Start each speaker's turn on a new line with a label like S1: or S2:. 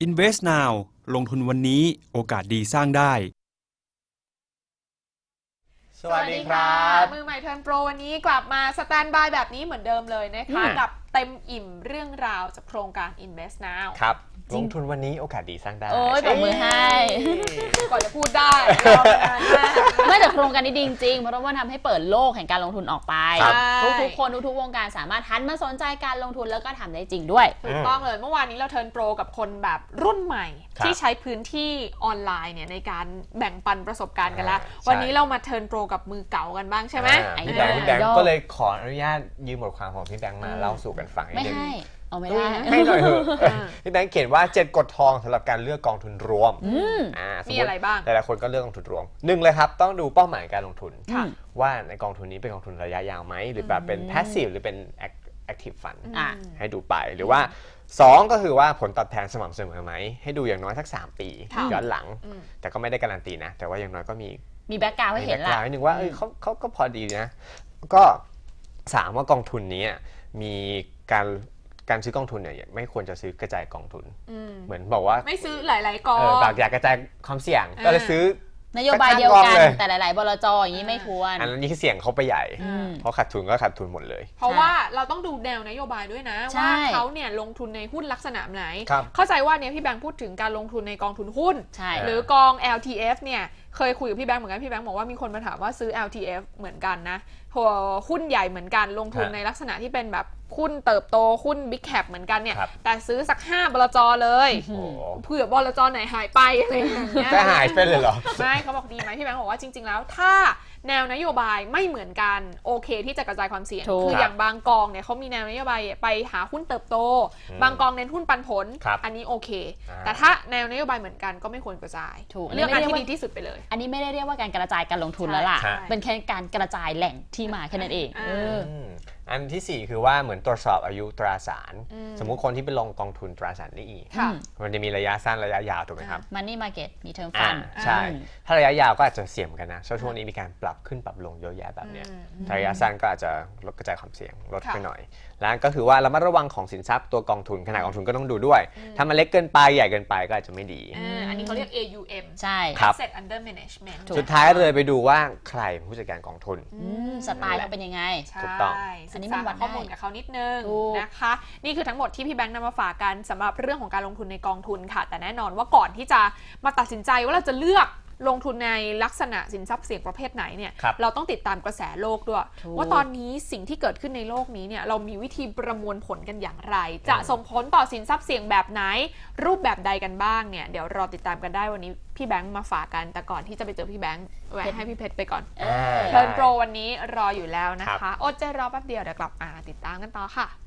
S1: Invest Now ลงทุนวันนี้โอกาสดีสร้างได้
S2: สวัสดีครับ
S3: มือใหม่เทิร์นโปรวันนี้กลับมาสแตนบายแบบนี้เหมือนเดิมเลยนะคะกับเต็มอิ่มเรื่องราวจากโครงการ Invest Now
S2: ครับลงทุนวันนี้โอกาสดีสร้างได้
S4: โอ้ยปรบมือให้
S3: ก่อนจะพูดได้รอนานมาก
S4: ไม่แต่โครงการนี้ดีจริงๆเพราะว่าทำให้เปิดโลกแห่งการลงทุนออกไปทุกคนทุกวงการสามารถหันมาสนใจการลงทุนแล้วก็ทำได้จริงด้วย
S3: ถูกต้องเลยเมื่อวานนี้เราเทิร์นโปรกับคนแบบรุ่นใหม่ที่ใช้พื้นที่ออนไลน์เนี่ยในการแบ่งปันประสบการณ์กันแล้ววันนี้เรามาเทิร์นโปรกับมือเก่ากันบ้างใช่ไหม
S2: พี่แบงค์ก็เลยขออนุญาตยืมบทความของพี่แบงค์มาเล่าสู่กันฟัง
S4: ไม่ให้เอาไม่ได้
S2: ให้หน่อยเถอะพี่แบงค์เขียนว่า7กฎทองสำหรับการเลือกกองทุนรวม
S3: มีอะไรบ้าง
S2: หลายๆคนก็เลือกกองทุนรวมหนึ่งเลยครับต้องดูเป้าหมายการลงทุนว่าในกองทุนนี้เป็นกองทุนระยะยาวไหมหรือแบบเป็น passive หรือเป็น active fund ให้ดูไปหรือว่า2ก็คือว่าผลตอบแทนสม่ำเสมอไหมให้ดูอย่างน้อยสัก3ปีย้อนหลังแต่ก็ไม่ได้การันตีนะแต่ว่าอย่างน้อยก็มี
S4: แบ็คกราวด์ให้เห็นละ
S2: นิดนึงว่าเขาก็พอดีนะก็3ว่ากองทุนนี้มีการซื้อกองทุนเนี่ยไม่ควรจะซื้อกระจายกองทุนเหมือนบอกว่า
S3: ไม่ซื้อหลายๆกอง
S2: อยากกระจายความเสี่ยงก็เลยซื้อน
S4: โยบายเดียวกันแต่หลายๆบลจอย่างนี้ไม่ควร
S2: อันนี้คือเสี่ยงเขาไปใหญ่เพราะขาดทุนก็ขาดทุนหมดเลย
S3: เพราะว่าเราต้องดูแนวนโยบายด้วยนะว่าเขาเนี่ยลงทุนในหุ้นลักษณะไหนเข้าใจว่าเนี่ยพี่แบงค์พูดถึงการลงทุนในกองทุนหุ้นหรือกอง LTF เนี่ยเคยคุยกับพี่แบงค์เหมือนกันพี่แบงค์บอกว่ามีคนมาถามว่าซื้อ LTF เหมือนกันนะหุ้นใหญ่เหมือนกันลงทุนในลักษณะที่เป็นแบบหุ้นเติบโตหุ้น Big Cap เหมือนกันเนี่ยแต่ซื้อสัก5บลจเลยเผื่อบลจไหนหายไปอะไรอย่างเงี้ย
S2: จะหายไปเลยเหรอ
S3: ไม่เขาบอกดีไหมพี่แบงค์บอกว่าจริงๆแล้วถ้าแนวนโยบายไม่เหมือนกันโอเคที่จะกระจายความเสี่ยงคืออย่างบางกองเนี่ยเขามีแนวนโยบายไปหาหุ้นเติบโตบางกองเน้นหุ้นปันผลอันนี้โอเคแต่ถ้าแนวนโยบายเหมือนกันก็ไม่ควรกระจายเลือกอันที่ดีที่สุดไปเลย
S4: อันนี้ไม่ได้เรียกว่าการกระจายการลงทุนแล้วล่ะเป็นแค่การกระจายแหล่งที่มาแค่นั้นเอง
S2: อันที่4คือว่าเหมือนตรวจสอบอายุตราสารสมมุติคนที่ไปลงกองทุนตราสารหนี้มันจะมีระยะสั้นระยะยาวถูกไหมครับ
S4: Money Market มี Term Fund
S2: ใช่ถ้าระยะยาวก็อาจจะเสี่ยงกันนะช่วงนี้มีการปรับขึ้นปรับลงเยอะแยะแบบนี้ระยะสั้นก็อาจจะลดกระจายความเสี่ยงลดไปหน่อยแล้วก็คือว่าระมัดระวังของสินทรัพย์ตัวกองทุนขนาดกองทุนก็ต้องดูด้วยถ้ามันเล็กเกินไปใหญ่เกินไปก็อาจจะไม่ดี
S3: อันนี้เขาเรียก AUM
S4: ใช่
S3: Asset Under Management
S2: สุดท้ายเลยไปดูว่าใครเป็นผู้จัดการกองทุน
S4: สไตล์เขาเป็นยังไง
S2: ถูกต้อง
S3: อันนี้มันวัดข้อมูลกับเขานิดนึงนะคะนี่คือทั้งหมดที่พี่แบงค์นำมาฝากกันสำหรับเรื่องของการลงทุนในกองทุนค่ะแต่แน่นอนว่าก่อนที่จะมาตัดสินใจว่าเราจะเลือกลงทุนในลักษณะสินทรัพย์เสี่ยงประเภทไหนเนี่ยเราต้องติดตามกระแสโลกด้วยว่าตอนนี้สิ่งที่เกิดขึ้นในโลกนี้เนี่ยเรามีวิธีประมวลผลกันอย่างไรจะส่งผลต่อสินทรัพย์เสี่ยงแบบไหนรูปแบบใดกันบ้างเนี่ยเดี๋ยวรอติดตามกันได้วันนี้พี่แบงค์มาฝากกันแต่ก่อนที่จะไปเจอพี่แบงค์แวะให้พี่เพชรไปก่อนเทิร์นโปรวันนี้รออยู่แล้วนะคะอดใจรอแป๊บเดียวเดี๋ยวกลับมาติดตามกันต่อค่ะ